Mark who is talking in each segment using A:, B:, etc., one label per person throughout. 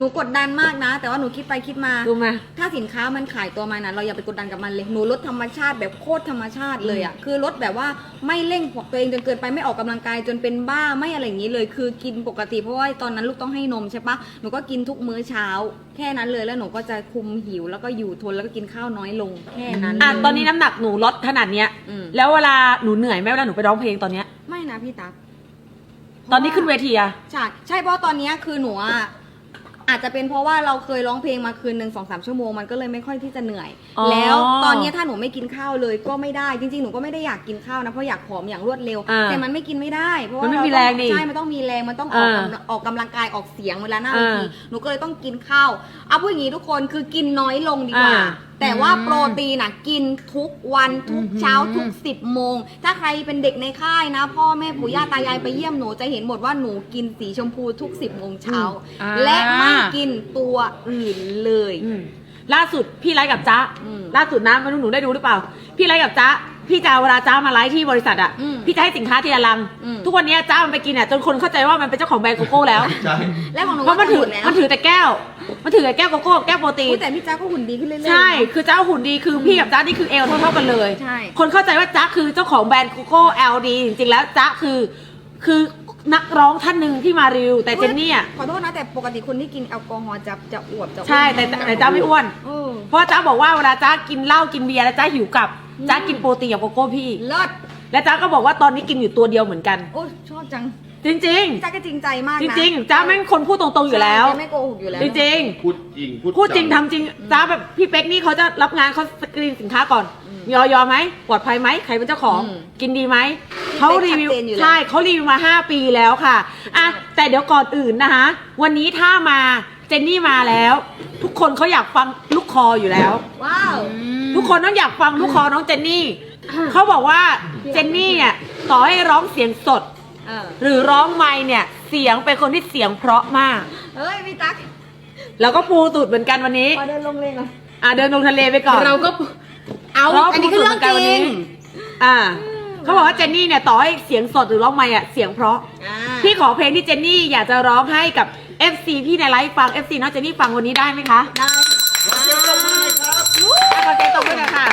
A: หนูกดดันมากนะแต่ว่าหนูคิดไปคิดมา
B: รู้ไหม
A: ถ้าสินค้ามันขายตัวมานะเราอย่าไปกดดันกับมันเลยหนูลดธรรมชาติแบบโคตรธรรมชาติเลยอ่ะคือลดแบบว่าไม่เร่งตัวเองจนเกินไปไม่ออกกำลังกายจนเป็นบ้าไม่อะไรอย่างนี้เลยคือกินปกติเพราะว่าตอนนั้นลูกต้องให้นมใช่ปะหนูก็กินทุกมื้อเช้าแค่นั้นเลยแล้วหนูก็จะคุมหิวแล้วก็อยู่ทนแล้วก็กินข้าวน้อยลงแค่นั้น
B: ตอนนี้น้ำหนักหนูลดขนาดเนี้ยแล้วเวลาหนูเหนื่อยไหมเวลาหนูไปร้องเพลงตอนเนี้ย
A: ไม่นะพี่ตั๊ก
B: ตอนนี้ขึ้นเวทีอะ
A: ใช่เพราะตอนนี้คือหนูอาจจะเป็นเพราะว่าเราเคยร้องเพลงมาคืนหนึ่ง2-3 ชั่วโมงมันก็เลยไม่ค่อยที่จะเหนื่อยแล้วตอนนี้ถ้าหนูไม่กินข้าวเลยก็ไม่ได้จริงๆหนูก็ไม่ได้อยากกินข้าวนะเพราะอยากผอมอย่างรวดเร็วแต่มันไม่กินไม่ได้เพราะว่าเราใช่มันต้องมีแรงมันต้องออกกำลังกายออกเสียงเวลาหน้าเวทีหนูก็เลยต้องกินข้าวเอาพูดอย่างนี้ทุกคนคือกินน้อยลงดีกว่าแต่ว่าโปรตีนกินทุกวันทุกเช้าทุก10 โมงถ้าใครเป็นเด็กในค่ายนะพ่อแม่ปู่ย่าตายายไปเยี่ยมหนูจะเห็นหมดว่าหนูกินสีชมพูทุก10 โมงเช้าและไม่กินตัวอื่นเลย
B: ล่าสุดพี่ไลฟ์กับจ๊ะล่าสุดนะไม่รู้หนูได้ดูหรือเปล่าพี่ไลฟ์กับจ๊ะพี่จะเวลาจ๊ะมาไลฟ์ที่บริษัทพี่จะให้สินค้าทีละลังทุกวันนี้จ๊ะมันไปกินจนคนเข้าใจว่ามันเป็นเจ้าของแบรนด์โกโก้แล้ว
A: แล้วของหนู
B: เพราะมันถือแต่แก้วมันถือแต่แก้วโกโก้แก้วโปรตีน
A: แต่พี่จ๊ะก็หุ่นดีขึ้นเรื่อยๆ
B: ใช่คือจ๊ะหุ่นดีคือพี่กับจ๊ะนี่คือเอลเท่ากันเลย
A: ใช่
B: คนเข้าใจว่าจ๊ะคือเจ้าของแบรนด์โกโก้เอลดีจริงๆแล้วจ๊ะคือนักร้องท่านหนึ่งที่มารีวิวแต่เจนนี่
A: ขอโทษนะแต่ปกติคนที่กินแอลกอฮอล์จะอวบ
B: ใช่แต่จ๊ะไม่อ้วนเพราะจ๊ะบอกว่าเวลาจ๊ะกินเหล้ากินเบียร์แล้วจ๊ะหิวกลับจ๊ะกินโปรตีนกับโกโก้พี่
A: เลิศ
B: และจ๊ะก็บอกว่าตอนนี้กินอยู่ตัวเดียวเหมือนกัน
A: โอ้ชอบจัง
B: จริง
A: จ๊ะก็จริงใจมากนะ
B: จริงจ๊ะแม่งคนพูดตรงๆอยู่แล้ว
A: ไม่โกหกอยู่แล้ว
B: จริงพูดจริงทำจริงจ๊ะแบบพี่เป๊กนี่เขาจะรับงานเขาสกรีนสินค้าก่อนยอมไหมปลอดภัยไหมใครเป็นเจ้าของกินดีไหมเขารีวิวใช่เขารีวิวมา5 ปีแล้วค่ะแต่เดี๋ยวก่อนอื่นนะคะวันนี้ถ้ามาเจนนี่มาแล้วทุกคนเขาอยากฟังลูกคออยู่แล้ว
A: ว้าว
B: ทุกคนต้องอยากฟังลูกคอน้องเจนนี่เขาบอกว่าเจนนี่เนี่ยต่อให้ร้องเสียงสดหรือร้องไมค์เนี่ยเสียงเป็นคนที่เสียงเพราะมาก
A: เฮ้ยพี่ตั๊ก
B: แล้วก็ปูตูดเหมือนกันวันนี้
A: เดินลงเลยเหร
B: อเดินลงทะเลไปก่อน
A: เราก็อันนี้คือเรื่องจริง
B: เขาบอกว่าเจนนี่เนี่ยต่อให้เสียงสดหรือร้องไมค์เสียงเพราะพี่ขอเพลงที่เจนนี่อยากจะร้องให้กับ FC พี่ในไลฟ์ฟัง FC น้องเจนนี่ฟังวันนี้ได้ไหมคะ
A: ได้
B: ขอเสียงตบมือหน่อยค่ะ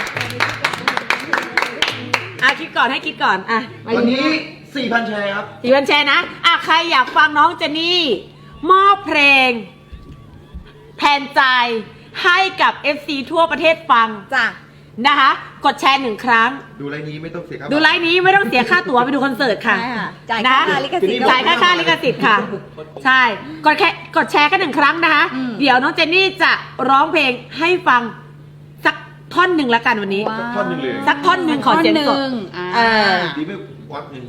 B: คิดก่อนให้คิดก่อน
C: วันนี้ 4,000 แชร์ครับ
B: 4,000 แชร์นะใครอยากฟังน้องเจนนี่มอบเพลงแทนใจให้กับ FC ทั่วประเทศฟัง
A: จ้ะ
B: นะคะกดแชร์1 ครั้ง
C: ดูไลน์นี้ไม่ต้องเสียค่า
B: ดูไลน์นี้ไม่ต้องเสียค่าตั๋วไปดูคอนเสิร์ตค่ะ
A: จ่ายค่าลิขสิทธิ์
B: จ่ายค่าลิขสิทธิ์ค่ะใช่กดแชร์แค่1 ครั้งนะคะเดี๋ยวน้องเจนนี่จะร้องเพลงให้ฟังสักท่อนหนึ่งละกันวันนี้
C: สักท่อนหนึ่งเลย
B: สักท่อนหนึ่งขอเสียงสด
C: ดีไม่วัดหนึ่ง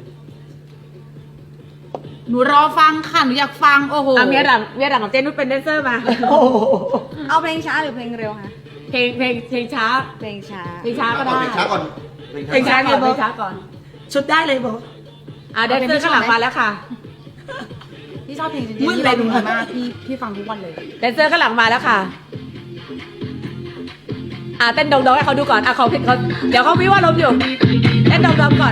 A: หนูรอฟังค่ะหนูอยากฟังโอ้โห
B: เมียหลังของเจนนุชเป็นแดนเซอร์มา
A: เอาเพลงช้าหรือเพลงเร็วคะ
B: เพลงช้า
A: เพลงช้า
B: ก็ได้
C: เพลงช้าก่อน
B: เพลงช้าก่อนชุดได้เลยบอกแดนเซอร์ข้างหลังมาแล้วค่ะ
A: พี่ชอบเพลงมืดเลยหนูมากพี่ฟังทุกวันเลย
B: แดนเซอร์ข้างหลังมาแล้วค่ะเต้นดองๆให้เขาดูก่อนเขาเดี๋ยวเขาวิว่าลมอยู่เต้นดองๆก่อน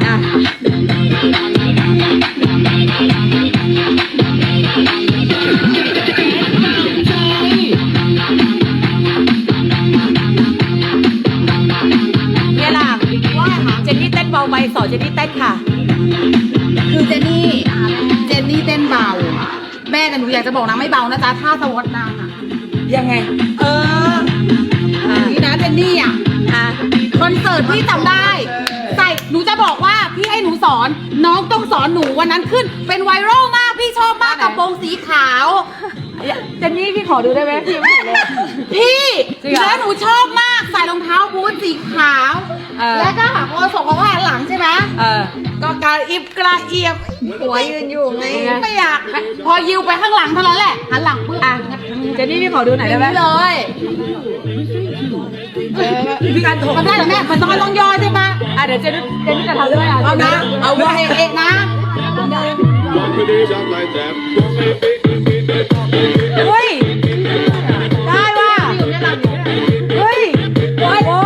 B: เนี่ยล่ะว่าเจนนี่เต้นเบาไปสอนเจนนี่เต้นค่ะ
A: คือเจนนี่เต้นเบาแม่แต่หนูอยากจะบอกนะไม่เบานะจ๊ะท่าสวอตนาง
B: ยังไง
A: นี่นะเจนนี่คอนเสิร์ตพี่จำได้หนูจะบอกว่าพี่ให้หนูสอนน้องต้องสอนหนูวันนั้นขึ้นเป็นไวรัลมากพี่ชอบมากกระโปรงสีขาว
B: เจนนี่พี่ขอดูได้ไหมพี่ไม่เห็นเลย
A: พี่แล้วหนูชอบมากใส่รองเท้าบูทสีขาวแล้วก็หาโอส่งของหลังใช่ไหมก็กระอิบกระเอียบหัวยืนอยู่ไงไม่อยากพอยิวไปข้างหลังเท่านั้นแหละหันหลังปุ๊บ
B: เจนนี่พี่ขอดูหน่อยได้ไหม
A: เลย
B: พี่การโถ
A: มันได้หรอแม่มันต้องย่อใช่ไหม
B: เดี๋ยวเจนนี่จะทำด้วย
A: เอานะเอาไว้เองนะ
B: เฮ้ยได้ว่ะเฮ้ยโอ้โห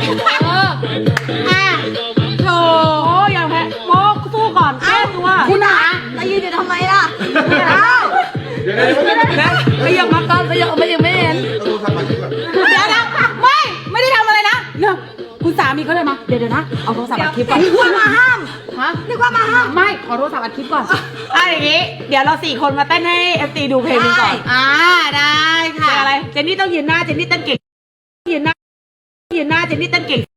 A: โถ
B: อย่าแพ้โมสู้ก่อนแก้ตัว
A: คุณหาแล้วยืนอยู่ทำไมล่ะ
B: ขยับมาก่อนขยังไม่เห็น
C: เอาโทรศัพท์มาคิดก่อน
B: เดี๋ยวนะไม่ได้ทำอะไรนะเดี๋ยวคุณสามีเขาเลยมาเดี๋ยวนะเอาโทรศัพท์อัดคลิปก่อน
A: นึกว่ามาห้าม
B: ฮะ
A: นึกว่ามาห้าม
B: ไม่ขอโทรศัพท์อัดคลิปก่อนอย่างงี้เดี๋ยวเรา4 คนมาเต้นให้ FT ดูเพลงนึงก่อน
D: ได้ค่ะ
B: อะไรเจนนี่ต้องยืนหน้าเจนนี่เต้นเก่งยืนหน้าเจนนี่เต้นเก่ง